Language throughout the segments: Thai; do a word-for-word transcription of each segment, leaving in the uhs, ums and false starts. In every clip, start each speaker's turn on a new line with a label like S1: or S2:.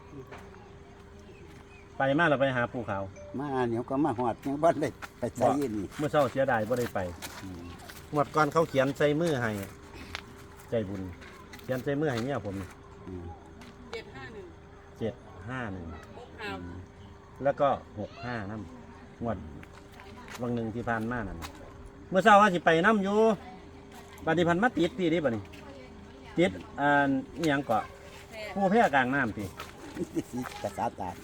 S1: ไปมาเราไปหาภูเขา
S2: มาเดี๋ยวก็มาหอดยังบ้านเลยไปใส่นี่
S1: เมื่อเช้าเสียดายบ่ได้ไปหมดก่อนเขาเขียนใส่มือให้ใจบุญเขียนใส่มือให้เนี่ยผม
S3: เจ็ดห้าหนึ่ง
S1: เจ็ดห้าหนึ่ง
S3: ครับ
S1: แล้วก็หกห้าน้ำงวดวันหนึ่งที่ผ่านมานั่นเมื่อเช้าว่าสิไปน้ำอยู่ปฏิพันธ์มาติดพี่ดิบัดนี้ติดอ่านี่ยังเกาะผู้แพร่กลางน้ำพี่
S2: กระสาตา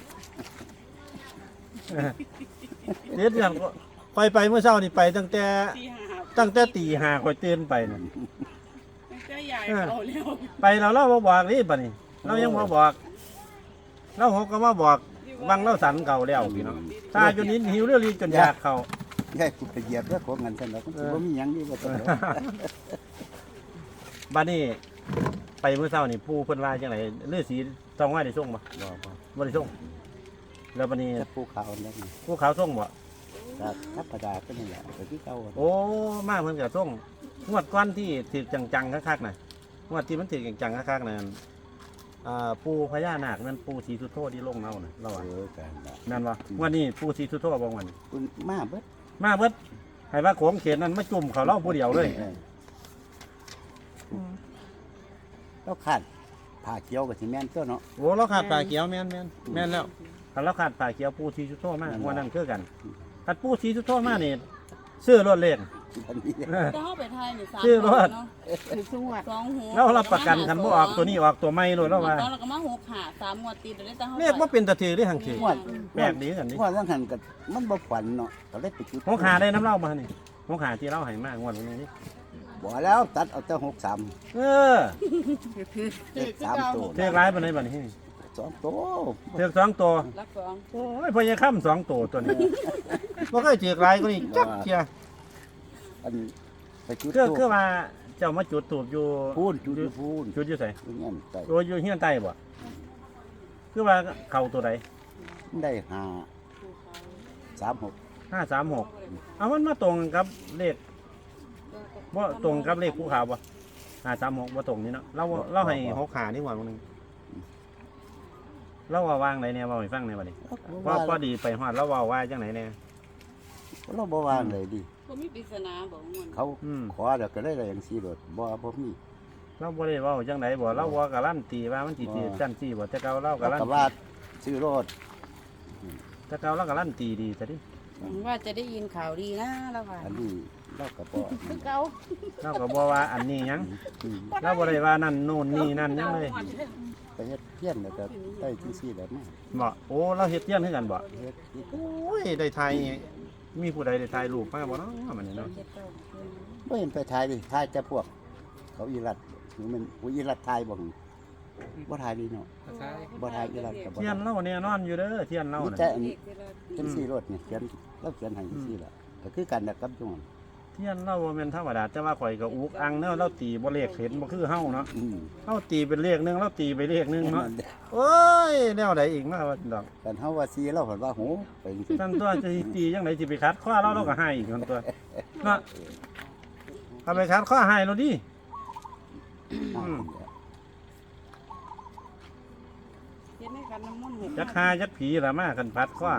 S1: เด็ดอย่างคอยไปเมื่อเช้านี่ไปตั้งแต่ตั้งแต่ตีห้าคอยเตือนไปน่ะ
S3: ตั้งแต่ใหญ่เราเร็ว
S1: ไปเราเล่ามาบอกนี่บัดนี้เรายังมาบอกเราหกก็มาบอกบังเล่าสันเก่าแล้วพี่น้องตาจนนี้หิวเรื่องรีจนอยากเขา
S2: ใช่กูไปเหยียบแล้วของเงินฉันแล้วมันจะมีอย่างนี้มาตลอด
S1: บัดนี้ไปเมื่อเช้านี่ผู้เพิ่นว่าจังไหนเลือดสีต้องว่าได้ส่งบ่
S2: บ่
S1: บ่ได้ส่งแล้วบัดนี้
S2: ภูเขาแล้วนี่
S1: ภูเขาส่งบ่
S2: ก็ธรรมดาก็นี่แหละไปที่เก่า
S1: โอ้มาเพิ่นก็ส่งงวดก้อนที่ถือจังๆคักๆน่ะงวดที่มันถือจังๆคักๆน่ะอ่าปูพญานาคนั่นปูศรีสุโธที่ลงเนาน่ะเราว่าเออกันนั่นบ่วันนี้ปูศรีสุโธบ่วัน
S2: คุณมาเบิด
S1: มาเบิดให้ว่าโขงเขตนั้นมาจุ่มเขาเล่าผู้เดียวเลย
S2: เราขาดผ่าเกียวกับซีเมนต์ตัวเนาะ
S1: โอ้เราขาดป่าเขียวแม่นแม่นแม่นแล้วถ้าเราขาดป่าเขียวปูศรีสุโธมากวันนั้นคือกันถ้าปูศรีสุโธมากนี่ซื้อรถเล็ก
S3: จะเข้าไปไทยนี่สาม
S1: ซื้อรถ
S3: สองหัว
S1: แล้วรับประกันคันบ่ออกตัวนี้ออกตัวใหม่เลยแล้วว่า
S3: แล้วก็มาหกขาสามงวดติดเลยแต่เฮา
S1: เรียกว่าเป็นตะถือได้ทางถือแปลกดีกันนี่
S2: ว่าว่าหันกับมันบ่ฝันเนาะก็เลยไปจุด
S1: หกขาได้น้ำเล่ามานี่หกขาที่เล่าให้มากงวดนี้นี่
S2: บ่แล้วตัดเอาแต่หกสาม
S1: เออ
S2: สามตัว
S1: เทือกร้ายปานใดบัดนี้
S2: สองตัว
S1: เทือกสองตัว
S3: รักสอง
S1: โอ้ยพญาค่ำสองตัวตัวนี้บ่เคยเทือกร้ายก็นี่จักเที่ย
S2: อันไปจุด
S1: คือคือว่าเจ้ามาจุดตูบอยู่
S2: พูนจุดพูน
S1: จุดอยู่ไส
S2: เงี้ยใต้
S1: โอ้ยอยู่เฮียนใต้บ่คือว่าเข้าตัวใด
S2: ได้ห้าสามหก
S1: ห้าสามหกเอามันมาตรงกับเลขบ่ตรงกับเลขภูเขาบ่ห้าสามหกบ่ตรงนี่เนาะเราเราให้หกขานี่หว่ามื้อนึงเราว่าวางไหนแน่เว้าให้ฟังแน่บัดนี้ว่าพอดีไปฮอดเราเว้าว่าจังไหนแน่
S2: เราบ่วางเลยดิ
S3: บ่มีปริศนาบ่ม่วน
S2: เขาขอแล้วก็ได้ได้อย่างซี่โดดบ่บ่มี
S1: เราบ่ได้เว้าจังไดบ่เราบ่การันตีว่ามันสิสิจังซี่บ่แต่เก่าเราการันตี
S2: ว่าซื้อรถ
S1: แต่เก่าเราการันตีดีซะดิ
S3: ว่าจะได้ยินข่าวดีนะแล้วว่า
S2: อันนี้เราก็บ่
S3: คือเก่า
S1: เราก็บ่ว่าอันนี้หยังเราบ่ได้ว่านั่นโน่นนี่นั่นหยังเลย
S2: ไปเฮ็ดเพี้ยนแล้วก็ได้จังซี่แหละมา
S1: บ่โอ้เราเฮ็ดเพี้ยนคือกันบ่เฮ็ดโอ้ยได้ถ่ายมีผู้ใดได้ถ่ายรูปมาบ่เนาะมันนี่เนาะ
S2: บ่เห็นไปถ่ายดิถ่ายแต่พวกเขาอีรัดหรือมันผู้อีรัดถ่ายบ่บ่ถ่ายดีเนาะบ่ถ่ายอีรัดก็บ่
S1: เทียนเราเนี่ยนอนอยู่เด้อเทียนเรา
S2: น่ะแต่อันนี้จังซี่รถนี่เขียนเราเขียนให้จังซี่ล่ะก็คือกันกับจุ่ม
S1: เทียนเราบ่แม่นธรรมดาแต่ว่าข่อยก็อุกอังเนาะเราตีบ่เลขเห็นบ่คือเฮาเนาะเฮาตีเป็นเลขนึงเราตีไปเลขนึงเนาะโอ้ยแนวใดอีกมาว่าดอก
S2: กันเฮาว่าซีเราเพิ่นว่าโหไปจังซี่
S1: นั่นตัวจะตีจังได๋สิไปคัดข้อเราเราก็ให้อีกคนตัวเนาะเอาไปคัดข้อให้เราดิ
S3: เฮ็ดให้กันน้ำมันต์
S1: จักหาจักผีล่ะมากันพัดข้อ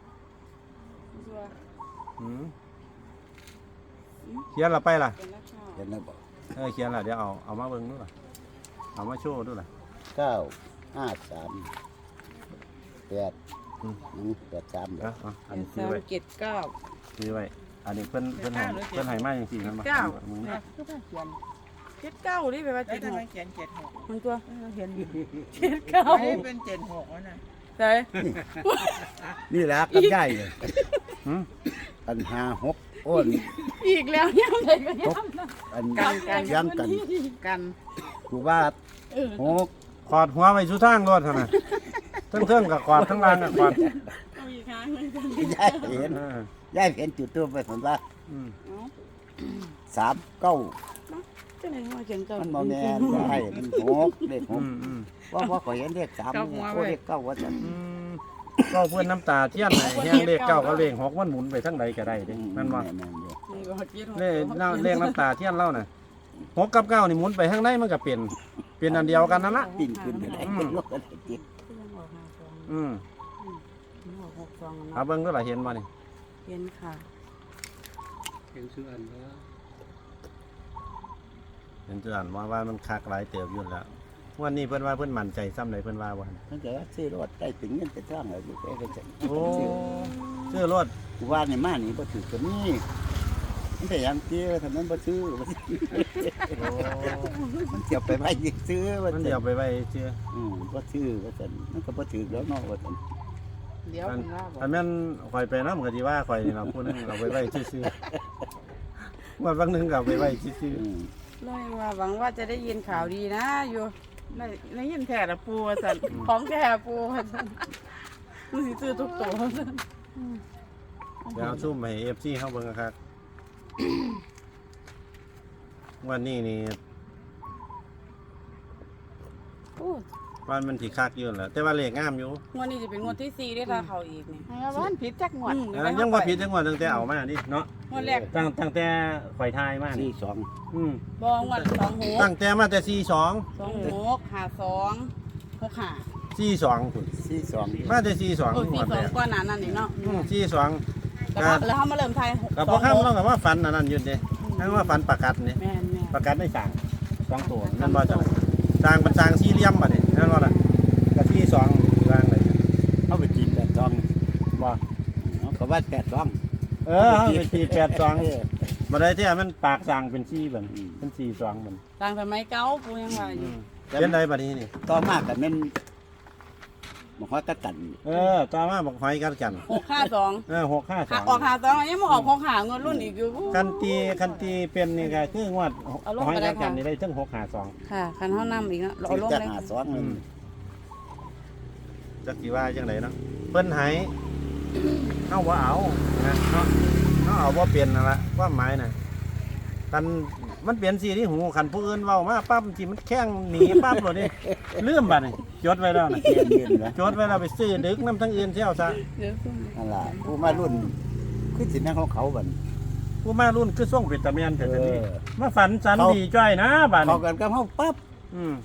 S1: หือเขียนละไปล่ะ
S2: เขียนแล้วบ่
S1: เออเขียนละเดี๋ยวเอาเอามาเบิ่งดูล่ะเอามาโชว์ดูล่ะ
S2: เก้า ห้า สาม แปดอืมแปด สามเด้อ
S1: อันนี้ซื้อไว้
S3: เจ็ดเก้า
S1: ซื้อไว้อันนี้เพิ่นเพิ่นให้เพิ่นให้มาจังซี่นั่นบ่
S3: เก้าคือเขียนเจ็ดเก้านี่แปลว่าเจ็ดหก
S4: เขียนเจ็ดหก
S3: มันตัวเขียนเจ็ดเก้า
S4: ไม่เป็นเจ็ดหกแล้วนะ
S3: ใช่
S2: นี่แหละกับใหญ่เลยอันห้าหกโอ้น
S3: อีกแล้วย่ำเลยก็ย่ำนะ
S2: อันกันย่ำกัน
S3: กัน
S2: กูว่าหก
S1: ขอดหัวไปสู่ทางรถเท่านั้นทั้งเครื่องกับขอดทั้งล่างกับขอด
S3: เอาอีกครั้ง
S2: ย่ายเห็นย่ายเห็นจุดตัวไปผมว่าสามเก้ามันโมแมนได้มันหกเลขหกว่าว่าขอเห็นเลขสามเลขเก้าว่าจะ
S1: ก็เพื่อนน้ำตาเทียนไหนแห้งเลขเก้าก็เลขหกมันหมุนไปทั้งใดก็ได้ดินั่นว่าเลขเลขน้ำตาเทียนเล่าน่ะหกกับเก้านี่หมุนไปทั้งใดมันก็เปลี่ยนเปลี่ยนอันเดียวกันนั่นละ
S2: ปิ่นขึ้นไปได้
S1: อืม
S3: หกหกสอง
S1: เอาเบิ่งก็ล่ะเห็นบ่นี่
S3: เห็นค่ะ
S4: เห็นชื่ออันแล้ว
S1: เห็นจังว่าว่ามันคักหลายเติบอยู่แล้ววันนี้เพิ่นว่าเพิ่นมั่นใจซ้ำใดเพิ่นว่าบ่หั่น
S2: มันจะซื้อรถได้ถึงเงินเป็นทางแล้วอยู่แค่ก็จะ
S1: โอ้ซื้อรถ
S2: กูว่านี่มานี่บ่ถือตัวนี้มันแต่ยังเตี้ยทำนั้นบ่ซื้อบ่ซื้อ
S1: โอ้
S2: มันเสียบไปไว้ซื้อว่า
S1: มันเดี๋ยวไปไว้เชื่อ
S2: อืมบ่ซื้อว่าซั่นมันก็บ่ถือแล้วเนาะว่าซั่น
S3: เดี๋ยว
S1: อัน
S3: คุณว่าบอก
S1: อันแม่นข่อยไปนำก็สิว่าข่อยนี่ล่ะผู้หนึงเอาไปไว้ซื่อๆว่าบางหนึงก็เอาไปไว้ซื่อ
S2: อืม
S3: น้อยว่าหวังว่าจะได้ยินข่าวดีนะอยู่ได้ได้ยินแท้ละปูว่าซั่นของแท้ปูว่าซั่นมันสิซื้อทุกตัวว่าซั่น
S1: ๆเดี๋ยวเอาซุ่มให้ เอฟ ซี เฮาเบิ่งครับวันนี้นี่
S3: โอ้
S1: วันมันสิคักอยู่นั่นแหละแต่ว่าเลขงามอยู่
S3: งวดนี้จะเป็นงวดที่สี่ได้ถ้าเขาอีกนี่
S5: ว่ามันผิดจักงวด
S3: อืม
S1: เออยังบ่ผิดจังหวะตั้งแต่เอามานี่เนาะ
S3: งวดแรก
S1: ตั้งตั้งแต่ข่อยทายมา
S2: สี่
S1: นี่
S2: สอง
S1: อืม
S3: บองวดสองหก
S1: ตั้งแต่มาแต่สี่สอง
S3: สองหกห้าสองหกห้า
S1: สี่สองพุ่น
S2: สี่สอง
S1: มาแต่สี่สอง
S3: โอ้ย
S1: หม
S3: สี่
S1: ด
S3: สอ
S1: แล้
S3: ง
S1: ว
S3: กว่านั้นนั่นนี่เนาะ
S1: อืมสี่สอง
S3: แต่ว่าแล้วเขามาเริ่มไทย
S1: กับพ่อข้ามเรากับว่าฝันอันนั้นอยู่เด้ทั้งว่าฝันประกัดนี่
S3: แม่นแม่น
S1: ประกัดไม่สั่งสองตัวนั่นว่าจังสร้างเป็นสร้างสี่เหลี่ยมบัดนี้นั่นว่าล่ะกับสี่สองสร้างเลย
S2: เอาไปกินแต่สอง
S1: บ่
S2: เอาก็ว่าแปดสอง
S1: เออเอาไปสี่แปดสอง
S2: เออ
S1: บ่ได้ที่มันปากสร้างเป็นสี่บัดเป็นสี่สองบัด
S3: ต่างสมัยเก่าปูยังว่าอ
S1: อื
S3: ยู่
S1: มเป็นไรบัดนี้นี่
S2: ต่อมาก็แม่นบ่ฮอดกะตัน
S1: เออต่อมาบอกหอยกันกัน
S3: หกห้าสอง
S1: เออหกห้าส
S3: หา
S1: อง
S3: ออกหาสองยังมาออกหกหาเงินรุ่นอีกอยู่
S1: คันตีคันตีเป็นนี่ก็คืองวด
S3: เอาลง
S1: หอย
S3: ไปได้
S1: กันกัน
S3: ค่ะ
S1: นี่ได้ถึงหกห้าสอง
S3: ค่ะคันเฮานำอีกเนาะเรา
S2: ซื้อ
S3: ลง
S2: จัก
S3: เลย
S2: หาสองนั่น
S1: จักสิว่าจังไดเนาะเพิ่นใหายเฮาบ่เอานะเนาะเฮาเอาบ่เป็นนั่นล่ะความหมายน่ะกันมันเปลี่ยนสีที่หูคันผู้อื่นเว้ามาปั๊บสิมันแข้งหนีปั๊บโลดนี่ลืมบัดนี่จดไว้แล้วน่ะ
S2: เรียนเรียนนะ
S1: จดไว้แล้วไปซื้อดึกน้ำทั้งอื่นเที่ยวซะ
S3: เดี๋ยวซุ่ม
S2: นั่นล่ะผู้มารุ่นคือสิแม่นของเขาบัด
S1: ผู้มารุ่นคือส่งเป็นตะเมียนแต่
S2: เอ
S1: ตอนนี้
S2: อ
S1: มาฝันสัน
S2: เขา
S1: ดีจ้อยนะบัด
S2: เขา
S1: นี้
S2: กันกับเฮาปั๊บ
S1: อืม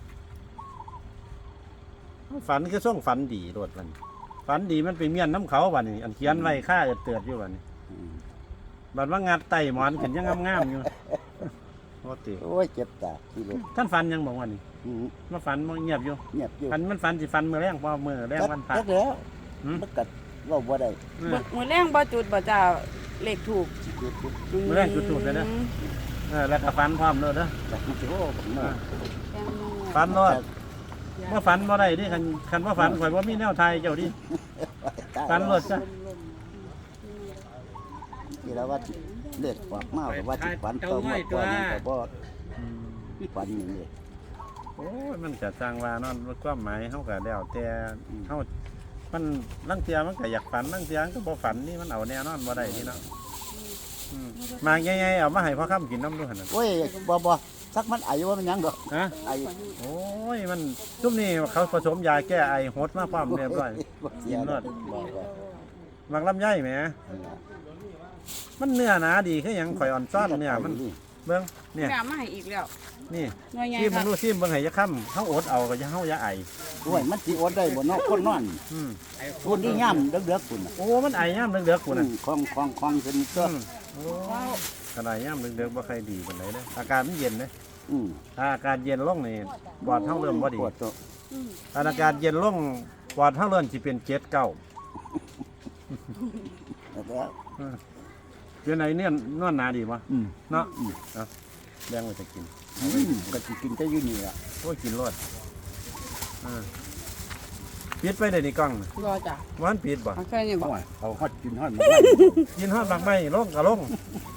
S1: ฝันคือส่งฝันดีโลดมันฝันดีมันไปเมียนน้ำเขาบัดนี้ อันเขียนไว้ค่าเอิดเตือดอยู่บัดนี้
S2: อืม
S1: บัดว่างัดไตหมอนกันยังงามๆอยู่โอ้ติ
S2: โอ้ยเจ็บตาที่รถ
S1: ท่านฝันยังบอกว่านี่
S2: อืม
S1: มาฝันมันเงียบอยู่
S2: เงียบอยู่
S1: ฝันมันฝันสิฝันมือแรงพอมือแรงวันพระ
S2: จักแล้ว
S1: หืม
S2: มันก็เว้าบ่ได้
S1: เออ
S3: มื้อแรงบ่จุดบ่จ้าเลขถูก
S2: จุดจุด
S1: มื้อแรงจุดๆเลยนะ เออแล้วก็ฝันพร้อมเลยเด้อ
S2: จักมันสิโอ้ผมมา
S1: ฝันโลดเมื่อฝันบ่ได้ดิคันคันว่าฝันข่อยบ่มีแนวทายเจ้าดิฝันโลดซะ
S2: ที่แล้วว่าเลือดออกมาก็ว่าสิฝันต่อมาก่อนนี่ก็บ่ฝันอย่างนี้
S1: โอ้ยมันจะสร้างว่าเนาะความหมายเฮาก็แล้วแต่เฮามันลังเทียมันก็อยากฝันลังเทียมันก็บ่ฝันนี่มันเอาแน่นอนบ่ได้นี่เนาะอืมมาใหญ่ๆเอามาให้พ่อค้ำกินน้ำด้วยหั่นน่ะ
S2: โอ้ยบ่บ่สักมันอายุว่ามันหยังดอก
S1: ฮะ
S2: อายุ
S1: โอ้ยมันซุมนี้เขาผสมยาแก้ไอหดมาพร้อมเรียบร้อย
S2: บ่เสีย
S1: กินร
S2: ร
S1: ส
S2: ถบ่บ่
S1: มักลำไยแหมมันเนื้อหนาดีคือหยังข่อยอ่อนซ้อนเนื้อมันเบิ่งเนี่ย
S3: งามมาให้อีกแล้ว
S1: นี่
S3: หน่วยใหญ่
S1: ซิม
S3: ค
S1: มึ
S3: รั
S1: ง
S3: บ
S1: ดูซิมเบิ่งให้ยะค่ำเฮาอดเอาก็จะเฮาอย่าไอ
S2: โอ้ยมันสิอดได้บ่เนาะคนนอน
S1: อืม
S2: คนที่ย่ํเดือกๆพุ่นน่ะ
S1: โอ้มันไอย่ามเดือกๆกูน่ะ
S2: ของของของขึ้นตัว
S1: อืมโอ้ขนาดย่ามเดือกๆบ่ค่อยดีปานใดเด้ออากาศมันเย็นเด้
S2: อืม
S1: ถ้าอากาศเย็นลงนี่ปอดเฮาเริ่มบ่ดี
S2: ปวดตัว
S1: ถ้าอากาศเย็นลงปอดเฮาเริ่มสิเป็นเจ็ดเก้า
S2: แล้ว
S1: เป็นไหนเนี่ยนอนหนาดีบ่
S2: อืม
S1: เนาะ
S2: อืม
S1: เอาแบ่งไว้จะกิน
S2: อืมก็สิกินแต่อยู่นี่ล่ะ
S1: โอ้ยกินรสอ่าปิดไปได้ในกล้องน่ะ
S3: รอจ้ะ
S1: วันปิดบ่
S3: เอาแค่นี้บ่
S2: โอ้ยเอาฮอดกินฮอดมา
S1: กินฮอดบางไม้ลงก็ลง